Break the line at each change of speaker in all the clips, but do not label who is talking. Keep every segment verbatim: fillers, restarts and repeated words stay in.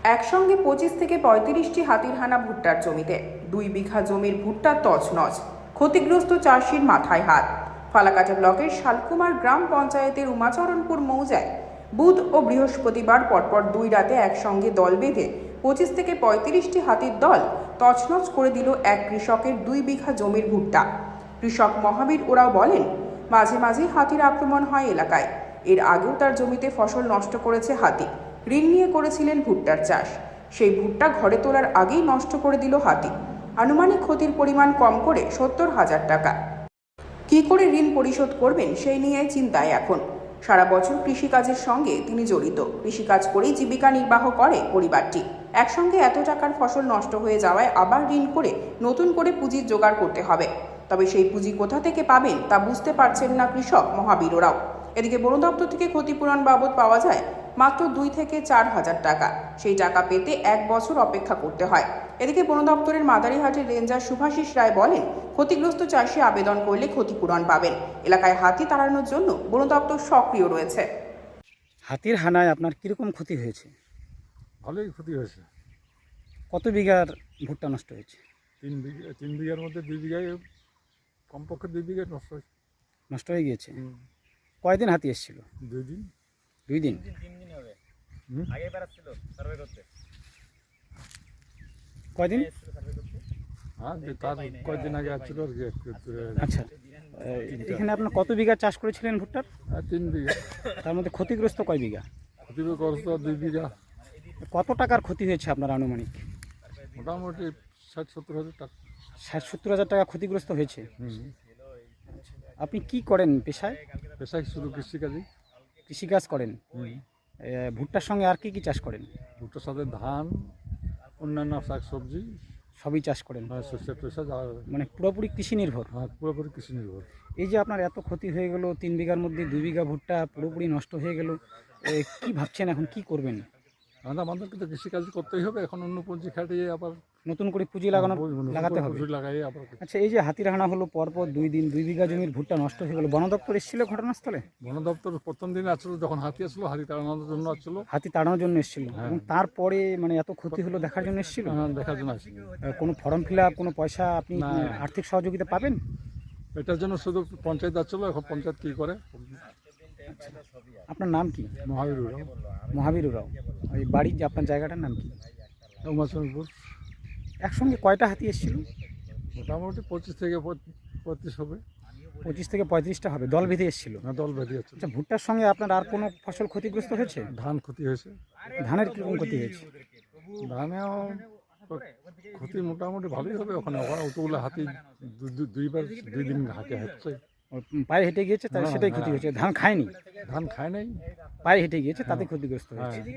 একসঙ্গে পঁচিশ থেকে পঁয়ত্রিশটি হাতির হানা ভুট্টার জমিতে। দুই বিঘা জমির ভুট্টা তছনছ, ক্ষতিগ্রস্ত চাষির মাথায় হাত। ফালাকাটা ব্লকের শালকুমার গ্রাম পঞ্চায়েতের উমাচরণপুর মৌজায় বুধ ও বৃহস্পতিবার পরপর দুই রাতে একসঙ্গে দল বেঁধে পঁচিশ থেকে পঁয়ত্রিশটি হাতির দল তছনছ করে দিল এক কৃষকের দুই বিঘা জমির ভুট্টা। কৃষক মহাবীর ওরাও বলেন, মাঝে মাঝেই হাতির আক্রমণ হয় এলাকায়। এর আগেও তার জমিতে ফসল নষ্ট করেছে হাতি। ঋণ নিয়ে করেছিলেন ভুট্টার চাষ, সেই ভুট্টা ঘরে তোলার আগেই নষ্ট করে দিল হাতি। আনুমানিক ক্ষতির পরিমাণ কম করে সত্তর হাজার টাকা। কী করে ঋণ পরিশোধ করবেন সেই নিয়ে চিন্তায় এখন। সারা বছর কৃষিকাজের সঙ্গে তিনি জড়িত, কৃষিকাজ করেই জীবিকা নির্বাহ করে পরিবারটি। একসঙ্গে এত টাকার ফসল নষ্ট হয়ে যাওয়ায় আবার ঋণ করে নতুন করে পুঁজির জোগাড় করতে হবে। তবে সেই পুঁজি কোথা থেকে পাবেন তা বুঝতে পারছেন না কৃষক মহাবীর ওরাও। এদিকে বন দপ্তর থেকে ক্ষতিপূরণ বাবদ পাওয়া যায় মাত্র দুই থেকে চার হাজার টাকা। সেই টাকা পেতে এক বছর অপেক্ষা করতে হয়। এদিকে বন দপ্তরের মাদারিহাটের রেঞ্জার শুভাশিস রায় বলেন, ক্ষতিগ্রস্ত চাষি আবেদন করলে ক্ষতিপূরণ পাবেন। এলাকায় হাতি তাড়ানোর জন্য বন দপ্তর সক্রিয় রয়েছে।
হাতির হানায় আপনার কিরকম ক্ষতি হয়েছে?
ভালোই ক্ষতি হয়েছে।
কত বিঘার ভুট্টা নষ্ট হয়েছে?
তিন বিঘা তিন বিঘার মধ্যে দুই বিঘায়, কমপক্ষে দুই বিঘায় নষ্ট হয়েছে।
নষ্ট হয়ে গিয়েছে। কয়দিন হাতি এসেছিল?
দুই দিন
দুই দিন কয়দিন?
হ্যাঁ, তার কয়েকদিন আগে আসছিল আর কি।
আচ্ছা, এখানে আপনার কত বিঘা চাষ করেছিলেন ভুট্টার?
হ্যাঁ, তিন বিঘা।
তার মধ্যে ক্ষতিগ্রস্ত কয় বিঘা?
ক্ষতিগ্রস্ত দুই বিঘা।
কত টাকার ক্ষতি হয়েছে আপনার আনুমানিক?
মোটামুটি ষাট সত্তর হাজার টাকা।
ষাট সত্তর হাজার টাকা ক্ষতিগ্রস্ত হয়েছে।
হুম।
আপনি কি করেন পেশায়?
পেশায় শুধু কৃষিকাজই।
কৃষিকাজ করেন।
হুম।
এ, ভুট্টার সঙ্গে আর কি কি চাষ করেন?
ভুট্টার সাথে ধান, অন্যান্য শাক সবজি,
সবই চাষ করেন,
শস্য টস্যা যা,
মানে পুরোপুরি কৃষি নির্ভর।
হ্যাঁ, পুরোপুরি কৃষি নির্ভর।
এই যে আপনার এত ক্ষতি হয়ে গেল, তিন বিঘার মধ্যে দুই বিঘা ভুট্টা পুরোপুরি নষ্ট হয়ে গেল, এ, কি ভাবছেন এখন কি করবেন?
আমাদের আমাদেরকে তো কৃষিকাজ করতেই হবে। এখন অন্য পুঁজি খাটিয়ে আবার
নতুন করে পুঁজি লাগানো লাগাতে হবে।
পুঁজি লাগাই আবার।
আচ্ছা, এই যে হাতির হানা হলো পরপর দুই দিন, দুই বিঘা জমির ভুট্টা নষ্ট হয়ে গেল, বন দপ্তর এসেছিল ঘটনাস্থলে?
বন দপ্তর প্রথম দিন আসলো, যখন হাতি আসলো, হাতি তাড়ানোর জন্য আসছিল।
হাতি তাড়ানোর জন্য এসেছিল এবং তারপরে মানে এত ক্ষতি হলো দেখার জন্য এসেছিল?
হ্যাঁ, দেখার জন্য আসছিল।
কোনো ফর্ম ফিল আপ, কোনো পয়সা আপনি
না।
আর্থিক সহযোগিতা পাবেন?
এটার জন্য শুধু পঞ্চায়েত আসছিল। এখন পঞ্চায়েত কী করে?
আপনার নাম কি?
মহাবীর ওরাও।
মহাবীর ওরাও। ওই বাড়ির যে আপনার জায়গাটার নাম কি?
উমাচরণপুর।
একসঙ্গে কয়টা হাতি এসেছিল?
মোটামুটি পঁচিশ থেকে পঁয়ত্রিশ হবে।
পঁচিশ থেকে পঁয়ত্রিশটা হবে, দল বেঁধে এসেছিল।
না, দল বেঁধে যাচ্ছে।
আচ্ছা, ভুট্টার সঙ্গে আপনার আর কোনো ফসল ক্ষতিগ্রস্ত হয়েছে?
ধান ক্ষতি হয়েছে।
ধানের কীরকম ক্ষতি হয়েছে?
ধানেও ক্ষতি মোটামুটি ভালোই হবে। ওখানে ওখানে অতগুলো হাতি দু- দু- দুইবার দুই দিন হাঁটে হাঁটছে।
ও, পায়ে হেঁটে গিয়েছে, তাই
হ্যাঁ,
সেটাই ক্ষতি
হ্যাঁ।
হয়েছে। ধান খায়নি,
ধান খায় নাই।
পায়ে হেঁটে গিয়েছে, তাতে ক্ষতিগ্রস্ত
হ্যাঁ।
হয়েছে।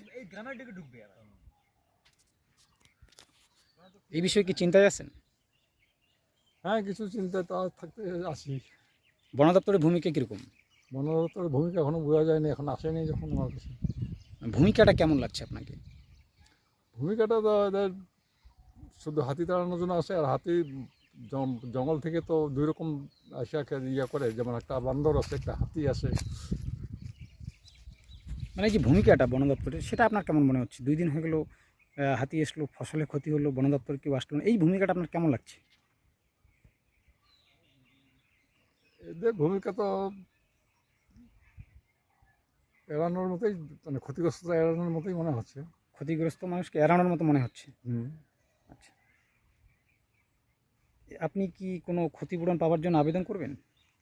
এই বিষয়ে কি চিন্তায় আছেন?
হ্যাঁ, কিছু চিন্তা তো থাকতে আসি।
বন দপ্তরের ভূমিকা কীরকম?
বন দপ্তরের ভূমিকা এখনো বোঝা যায়নি, এখন আসেনি যখন আমার কাছে।
ভূমিকাটা কেমন লাগছে আপনাকে?
ভূমিকাটা তো এদের শুধু হাতি তাড়ানোর জন্য আসে। আর হাতি জম- জঙ্গল থেকে তো দুই রকম আসা ইয়া করে, যেমন একটা বান্দর আছে, একটা হাতি আসে।
মানে যে ভূমিকাটা বন দপ্তরের, সেটা আপনার কেমন মনে হচ্ছে? দুই দিন হয়ে গেলো, আহ, হাতি এসলো, ফসলের ক্ষতি হলো, বন দপ্তর কেউ আসলো না, এই ভূমিকাটা আপনার কেমন লাগছে?
এদের ভূমিকা তো এড়ানোর মতোই, মানে ক্ষতিগ্রস্ততা এড়ানোর মতোই মনে হচ্ছে।
ক্ষতিগ্রস্ত মানুষকে এড়ানোর মতো মনে হচ্ছে।
হুম।
আচ্ছা, আপনি কি কোনো ক্ষতিপূরণ পাওয়ার জন্য আবেদন করবেন?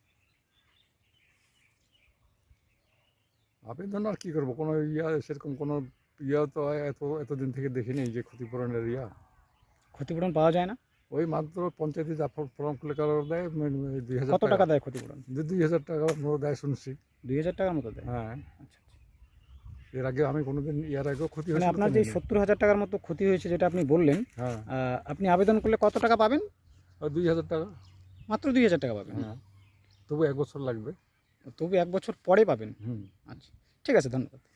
আবেদন আর কী করবো? কোনো ইয়া সেরকম কোনো ইয়া তো এত এতদিন থেকে দেখিনি যে ক্ষতিপূরণের ইয়া।
ক্ষতিপূরণ পাওয়া যায় না?
ওই মাত্র পঞ্চায়েতে যা ফর্ম খুলে কারো দেয়, দুই হাজার
কত টাকা দেয় ক্ষতিপূরণ?
দুই দুই হাজার টাকা মতো দেয় শুনছি।
দুই হাজার টাকার মতো দেয়?
হ্যাঁ।
আচ্ছা,
এর আগে আমি কোনোদিন, এর আগেও ক্ষতি
মানে
হয়েছিল।
আপনার
তো
যে
নেই।
সত্তর হাজার টাকার মতো ক্ষতি হয়েছে যেটা আপনি বললেন,
হ্যাঁ,
আহ, আপনি আবেদন করলে কত টাকা পাবেন?
ওই দুই হাজার টাকা।
মাত্র দুই হাজার টাকা পাবেন?
হ্যাঁ, তবু এক বছর লাগবে।
তবু এক বছর পরে পাবেন?
হুম।
আচ্ছা, ঠিক আছে, ধন্যবাদ।